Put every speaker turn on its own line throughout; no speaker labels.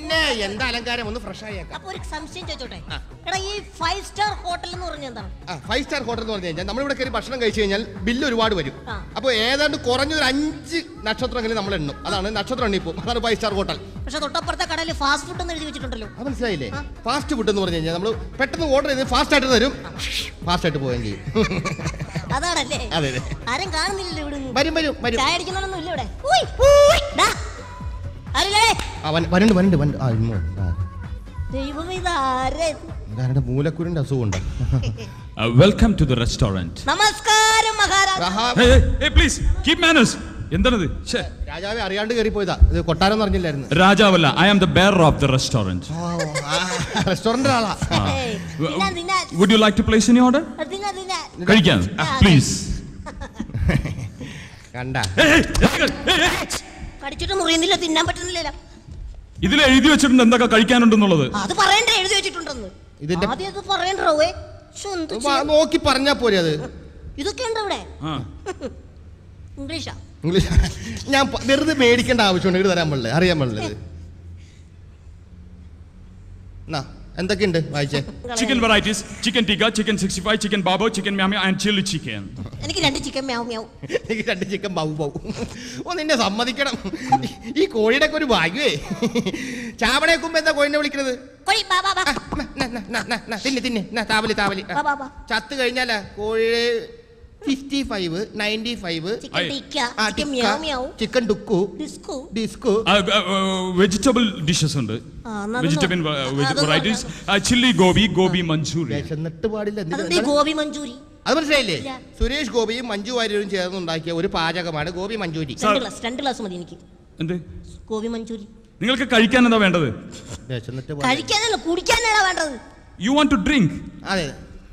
പിന്നെ എന്താ അലങ്കാരം ഒന്ന് ഫ്രഷ് ആയേക്കാം.
അപ്പൊ ഒരു സംശയം ചോദിച്ചോട്ടെ, എടാ ഈ 5 സ്റ്റാർ ഹോട്ടൽ എന്ന് പറഞ്ഞാൽ എന്താണ്?
5 സ്റ്റാർ ഹോട്ടൽ എന്ന് പറഞ്ഞു കഴിഞ്ഞാൽ നമ്മളിവിടെ കയറി ഭക്ഷണം കഴിച്ചു കഴിഞ്ഞാൽ ബില്ല് ഒരുപാട് വരും. അപ്പോൾ ഏതാണ്ട് കുറഞ്ഞൊരു 5 നക്ഷത്രമെങ്കിലും നമ്മൾ എണ്ണും. അതാണ് നക്ഷത്രം എണ്ണിപ്പോ. അതാണ് 5 സ്റ്റാർ ഹോട്ടൽ.
പക്ഷെ തൊട്ടപ്പുറത്തെ കടയിൽ ഫാസ്റ്റ് ഫുഡ് എന്ന് എഴുതി വെച്ചിട്ടുണ്ടല്ലോ.
അത് മനസ്സിലായില്ലേ? ഫാസ്റ്റ് ഫുഡ് എന്ന് പറഞ്ഞു കഴിഞ്ഞാൽ നമ്മൾ പെട്ടെന്ന് ഓർഡർ ചെയ്ത് ഫാസ്റ്റ് ആയിട്ട് തരും, ഫാസ്റ്റ് ആയിട്ട് പോവുകയും ചെയ്യും.
അതാണല്ലേ?
അതെ.
ആരും കാണുന്നില്ലല്ലോ ഇവിടെ.
വരും വരും വരും.
ചായ അടിക്കുന്നൊന്നും ഇല്ല ഇവിടെ.
മൂലക്കുരുന്റെ അസുഖമുണ്ട്.
Welcome to the restaurant.
നമസ്കാരം മഹാരാജ.
Please keep manners. എന്താണത്?
രാജാവെ അറിയാണ്ട് കയറി പോയതാ. ഇത് കൊട്ടാരം അറിഞ്ഞില്ലായിരുന്നു.
രാജാവല്ല, I am the bear of the restaurant.
Restaurant ആളാ.
Would you like to place any order? കഴിക്കാൻ പ്ലീസ്.
കണ്ട
കടിച്ചിട്ട് മുറിയുന്നില്ല, തിന്നാൻ പറ്റുന്നില്ല.
ഇതിൽ എഴുതി വെച്ചിട്ടുണ്ട് എന്തൊക്കെ കഴിക്കാനുണ്ടെന്നുള്ളത്.
അത് പറയണ്ടേ, എഴുതി വെച്ചിട്ടുണ്ടെന്ന്. ആദ്യം അത് പറയണ്ടോ?
നോക്കി പറഞ്ഞാ പോരെ. അത്
ഇതൊക്കെ ഉണ്ട് ഇവിടെ. ഇംഗ്ലീഷാ.
ഞാൻ വെറുതെ മേടിക്കേണ്ട ആവശ്യമുണ്ട്. ഇത് തരാൻ പാടില്ല, അറിയാൻ പാടില്ല. എന്തൊക്കെയുണ്ട് വായിച്ചേ?
Chicken varieties, chicken tikka, chicken 65, chicken ബാബോ, ചിക്കൻ മ്യാമി ആൻഡ് ചില്ലി ചിക്കൻ.
എനിക്ക് 2 ചിക്കൻ മ്യാവ് മ്യാവ്.
എനിക്ക് 2 ചിക്കൻ ബാബു ബാബു. നിന്നെ സമ്മതിക്കണം, ഈ കോഴിയുടെ ഒക്കെ ഒരു ഭാഗ്യേ. ചാവണേക്കുമ്പോ എന്താ കോഴിനെ വിളിക്കുന്നത്? തിന്നെ തിന്നെ താവലി താവലി. ചത്ത് കഴിഞ്ഞാലാ കോഴി 55, 95, ചിക്കൻ ടുക്കു, ഡിസ്കു,
വെജിറ്റബിൾ ഡിഷസ് ഉണ്ട്. Vegetable varieties, chilli gobi, gobi manchurian.
എന്നിട്ട് പാടില്ല.
ഗോബി മഞ്ചൂരി
അത് മനസ്സിലായില്ലേ? സുരേഷ് ഗോപിയും മഞ്ജു വാര്യരും ചേർന്നുണ്ടാക്കിയ ഒരു പാചകമാണ് ഗോബി മഞ്ചൂരി.
2 ഗ്ലാസ് മതി എനിക്ക്.
എന്ത്
ഗോബി മഞ്ചൂരി?
നിങ്ങൾക്ക് കഴിക്കാൻ എന്താ വേണ്ടത്?
കഴിക്കാനല്ല, കുടിക്കാനാണ് വേണ്ടത്.
You want to drink?
അതെ.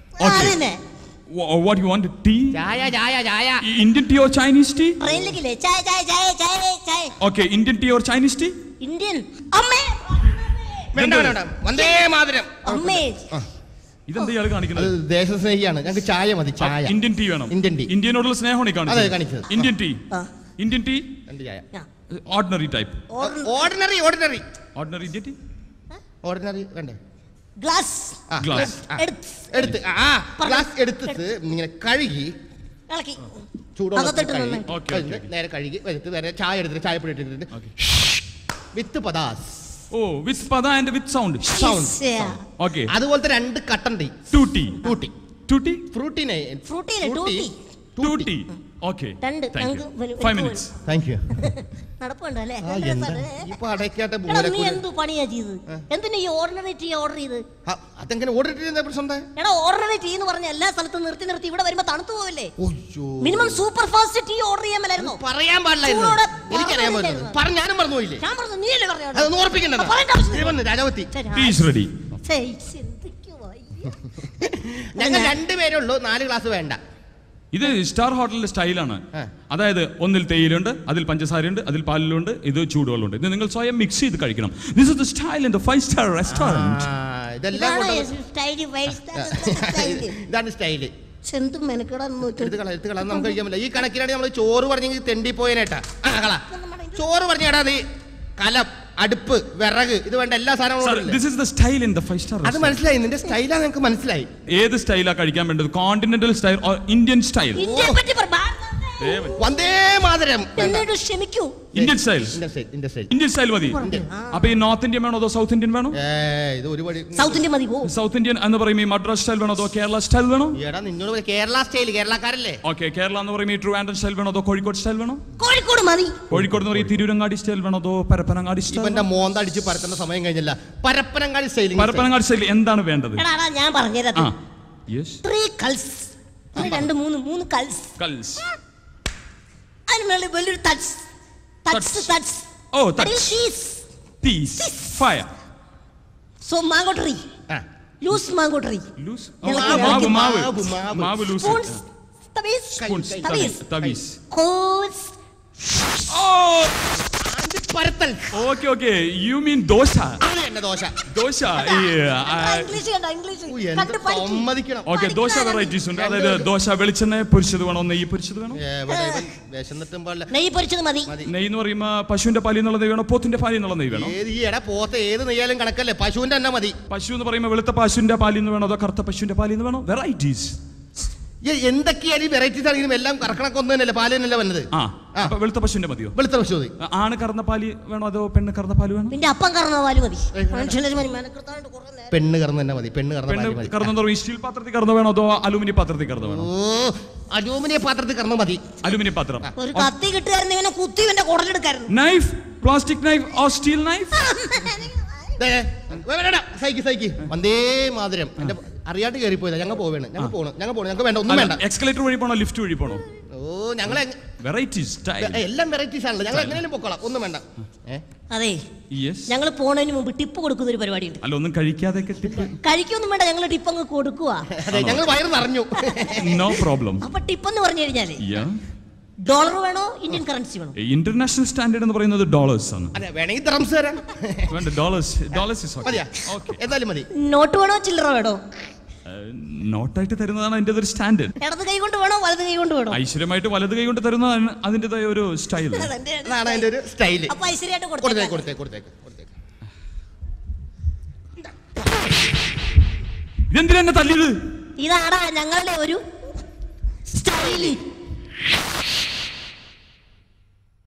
What you want? Tea?
Chaya.
Indian tea or Chinese tea?
ട്രെയിനിലേക്ക് ചായ.
Okay, Indian tea or Chinese tea?
Indian. അമ്മേ.
വേണ്ട. വന്ദേ മാതരം.
അമ്മേ.
ഇതെന്താ ഇയാൾ കാണിക്കുന്നത്?
ദേശസ്നേഹിയാണ്. ഞങ്ങൾക്ക് ചായ മതി. ചായ.
ഇന്ത്യൻ ടീ വേണം.
Indian tea.
ഇന്ത്യനോടുള്ള സ്നേഹമാണ് കാണിച്ചത്.
അതെ കാണിച്ചത്.
Indian tea. Indian tea.
രണ്ട് ചായ.
Ordinary type.
Ordinary
Indian tea.
Ordinary വേണ്ടേ?
ഗ്ലാസ്
എടുത്ത് ഗ്ലാസ് എടുത്തിട്ട് ഇങ്ങനെ കഴുകി ചൂടുവെള്ളത്തിൽ നേരെ കഴുകി നേരെ ചായ എടുത്തിട്ട് ചായപ്പൊടി ഇട്ടിട്ട് വിത്ത് പദാസ്.
വിത്ത് പദ ആൻഡ് വിത്ത് സൗണ്ട്. ഓക്കേ.
അതുപോലത്തെ 2 കട്ടൻ tea. Tutti frutti.
Okay.
5
minutes.
Thank you.
നടപ്പുണ്ടല്ലേ?
ഇപ്പൊ അടയ്ക്കാത്ത
നീ എന്തു പണിയാ ചെയ്തത്? എന്തിനാ ഈ ഓർഡിനറി ടീ ഓർഡർ ചെയ്ത്?
അതെങ്ങനെ ഓർഡർ ചെയ്യുന്ന പ്രശ്നം?
എടാ ഓർഡിനറി ടീ എന്ന് പറഞ്ഞ എല്ലാ സ്ഥലത്തും നിർത്തി ഇവിടെ വരുമ്പോ തണുത്തു പോവില്ലേ? Minimum super fast tea order ചെയ്യാൻ മേലായിരുന്നോ?
പറയാൻ പാടില്ലായിരുന്നു. എനിക്കറിയാൻ പാടില്ല. ഞാനും മറന്നുപോയില്ലേ?
ഞാൻ പറഞ്ഞു, നീയല്ലേ പറഞ്ഞത്?
അതൊന്നും ഓർപ്പിക്കണ്ട. രാജാവത്തി
റെഡി.
ഞങ്ങൾ 2 പേരേ ഉള്ളൂ. 4 ഗ്ലാസ് വേണ്ട.
ഇത് സ്റ്റാർ ഹോട്ടലിന്റെ സ്റ്റൈലാണ്. അതായത് ഒന്നിൽ തേയിലുണ്ട്, അതിൽ പഞ്ചസാരയുണ്ട്, അതിൽ പാലിലുണ്ട്, ഇത് ചൂടുവെള്ളമുണ്ട്. ഇത് നിങ്ങൾ സ്വയം മിക്സ് ചെയ്ത് കഴിക്കണം. This is the style in the 5 star restaurant.
ഇതാണ് സ്റ്റൈല്. നമുക്ക് കഴിക്കാൻ പറ്റില്ല. ഈ കണക്കിലാണ് നമ്മൾ ചോറ് പറഞ്ഞെങ്കിൽ തെണ്ടി പോയനേട്ടാ. ചോറ് പറഞ്ഞേടാ നീ കലം, അടുപ്പ്, വിറക്, ഇത് വേണ്ട എല്ലാ സാധനങ്ങളും.
This is the style in the 5 star.
അത് മനസ്സിലായി. നിന്റെ സ്റ്റൈലാ നിങ്ങൾക്ക് മനസ്സിലായി.
ഏത് സ്റ്റൈലാ കഴിക്കാൻ വേണ്ടത്? Continental style or Indian style?
Vande Mataram.
ക്ഷമിക്കൂ.
Indian style. ഇന്ത്യൻ സ്റ്റൈൽ മതി. അപ്പൊ ഈ നോർത്ത് ഇന്ത്യൻ വേണോ അതോ സൗത്ത് ഇന്ത്യൻ വേണോ?
ഇത് ഒരുപാട്
സൗത്ത് ഇന്ത്യൻ മതി.
സൗത്ത് ഇന്ത്യൻ എന്ന് പറയുമ്പോൾ ഈ മദ്രാസ് സ്റ്റൈൽ വേണോ അതോ കേരള സ്റ്റൈൽ വേണോ?
നിന്നോട് കേരള സ്റ്റൈൽ, കേരളക്കാരല്ലേ?
ഓക്കെ. കേരള എന്ന് പറയുമ്പോൾ ഈ ട്രിവാൻഡ്രം സ്റ്റൈൽ വേണോ അതോ കോഴിക്കോട് സ്റ്റൈൽ വേണോ?
കോഴിക്കോട് മതി.
കോഴിക്കോട് എന്ന് പറയുമ്പോൾ തിരൂരങ്ങാടി സ്റ്റൈൽ വേണോ അതോ പരപ്പനങ്ങാടി സ്റ്റൈൽ?
ഇവന്റെ മോന്തടിച്ച് പരത്തുന്ന സമയം കഴിഞ്ഞില്ല. പരപ്പനങ്ങാടി സ്റ്റൈൽ.
പരപ്പനങ്ങാടി സ്റ്റൈൽ എന്താണ് വേണ്ടത്?
ഞാൻ പറഞ്ഞുതരാം.
3
കൾസ്. 3 കൾസ്. അതിനുള്ളിൽ വലിയൊരു തട്സ്.
Fire.
So mango tree. Loose mango tree.
മാവ് ലൂസ്.
തവീസ്.
പരത്തൽ.
Okay you mean dosa.
അത് തന്നെ ദോശ.
ദോശ
സമ്മതിക്കണം.
ഓക്കെ ദോശ വെറൈറ്റീസ് ഉണ്ട്. അതായത് ദോശ വെളിച്ചെണ്ണ പൊരിച്ചത് വേണോ, നെയ്യ് പൊരിച്ചത് വേണോ?
നെയ്യ് പൊരിച്ചത് മതി.
നെയ്യ് എന്ന് പറയുമ്പോ പശുവിന്റെ പാലിൽ നിന്നുള്ള നെയ്യ് വേണോ, പോത്തിന്റെ പാലിൽ നിന്നുള്ള നെയ്യ് വേണോ?
പോത്ത് ഏത് നെയ്യാലും കണക്കല്ലേ, പശുവിന്റെ തന്നെ മതി.
പശു എന്ന് പറയുമ്പോൾ വെളുത്ത പശുവിന്റെ പാലിൽ നിന്ന് വേണോ അതോ കറുത്ത പശുവിന്റെ പാലിൽ നിന്ന് വേണോ? വെറൈറ്റീസ്
എന്തൊക്കെയാണ് ഈ വെറൈറ്റീസ് ആണെങ്കിലും എല്ലാം കറക്കണക്ക് ഒന്ന് തന്നെയല്ലേ, പാല് തന്നെയല്ലേ വന്നത്.
അപ്പൊ വെളുത്ത പശുവിന്റെ മതിയോ?
വെളുത്ത പശു മതി.
ആണ് കറന്ന പാല് വേണോ അതോ പെണ്ണ് കറന്ന പാല് വേണോ?
പിന്നെ അപ്പം കറന്ന പാല് മതി.
പെണ്ണ് കറന്ന് തന്നെ മതി. പെണ്ണ്
കറന്ന സ്റ്റീൽ പാത്രത്തിൽ കറന്ന വേണോ അതോ അലൂമിനിയം പാത്രത്തിൽ കറന്ന വേണോ?
അലൂമിനിയം പാത്രത്തിൽ കറന്ന മതി.
അലൂമിനിയം പാത്രം.
ഒരു കത്തി കിട്ടുകാരൻ ഇവനെ കുത്തി ഇവന്റെ കുടലെടുക്കായിരുന്നു.
Knife, plastic knife or steel knife?
സൈക്കി വന്ദേ മാതരം. എന്റെ അറിയാണ്ട് കയറി പോയതാ. ഞങ്ങൾ പോവേണ്, ഞങ്ങൾക്ക് വേണ്ട, ഒന്നും വേണ്ട.
എക്സ്കലേറ്റർ വഴി പോണോ ലിഫ്റ്റ് വഴി പോണോ?
ഞങ്ങളെ
വെറൈറ്റീസ്
എല്ലാം വെറൈറ്റീസ് ആണല്ലോ. ഞങ്ങൾ എങ്ങനെയും പൊക്കോളാം, ഒന്നും വേണ്ട.
അതെ, ഞങ്ങൾ പോണതിന് മുമ്പ് ടിപ്പ് കൊടുക്കുന്ന ഒരു പരിപാടിയുണ്ട്.
അല്ല ഒന്നും കഴിക്കാതെ
കഴിക്കൊന്നും വേണ്ട, ഞങ്ങൾ ടിപ്പ് അങ്ങ് കൊടുക്കുക.
ഞങ്ങൾ വയറ് നിറഞ്ഞു.
No problem.
അപ്പൊ ടിപ്പ് എന്ന് പറഞ്ഞു കഴിഞ്ഞാല് ഡോളർ വേണോ ഇന്ത്യൻ കറൻസി വേണോ?
ഇന്റർനാഷണൽ സ്റ്റാൻഡേർഡ് എന്ന് പറയുന്നത് ഡോളേഴ്സ് ആണ്.
വേണമെങ്കിൽ ഡ്രംസ് തരാം.
വേണ്ട, ഡോളേഴ്സ്
എന്തായാലും മതി.
നോട്ട് വേണോ ചില്ലറ വേണോ?
നോട്ടായിട്ട് തരുന്നതാണ് അതിന്റെ ഒരു സ്റ്റാൻഡേർഡ്.
ഇടത് കൈ കൊണ്ട് വേണോ വലത് കൈ കൊണ്ട് വേണോ?
ഐശ്വര്യമായിട്ട് വലത് കൈ കൊണ്ട് തരുന്നതാണ് അതിന്റേതായ ഒരു സ്റ്റൈൽ.
അതാണ് അതിന്റെ ഒരു സ്റ്റൈൽ.
അപ്പൊ ഐശ്വര്യമായിട്ട്
കൊടുത്തേക്ക്.
ഇതെന്തിനാ എന്നെ തല്ലിയത്?
ഇതാടാ ഞങ്ങളുടെ ഒരു സ്റ്റൈല്.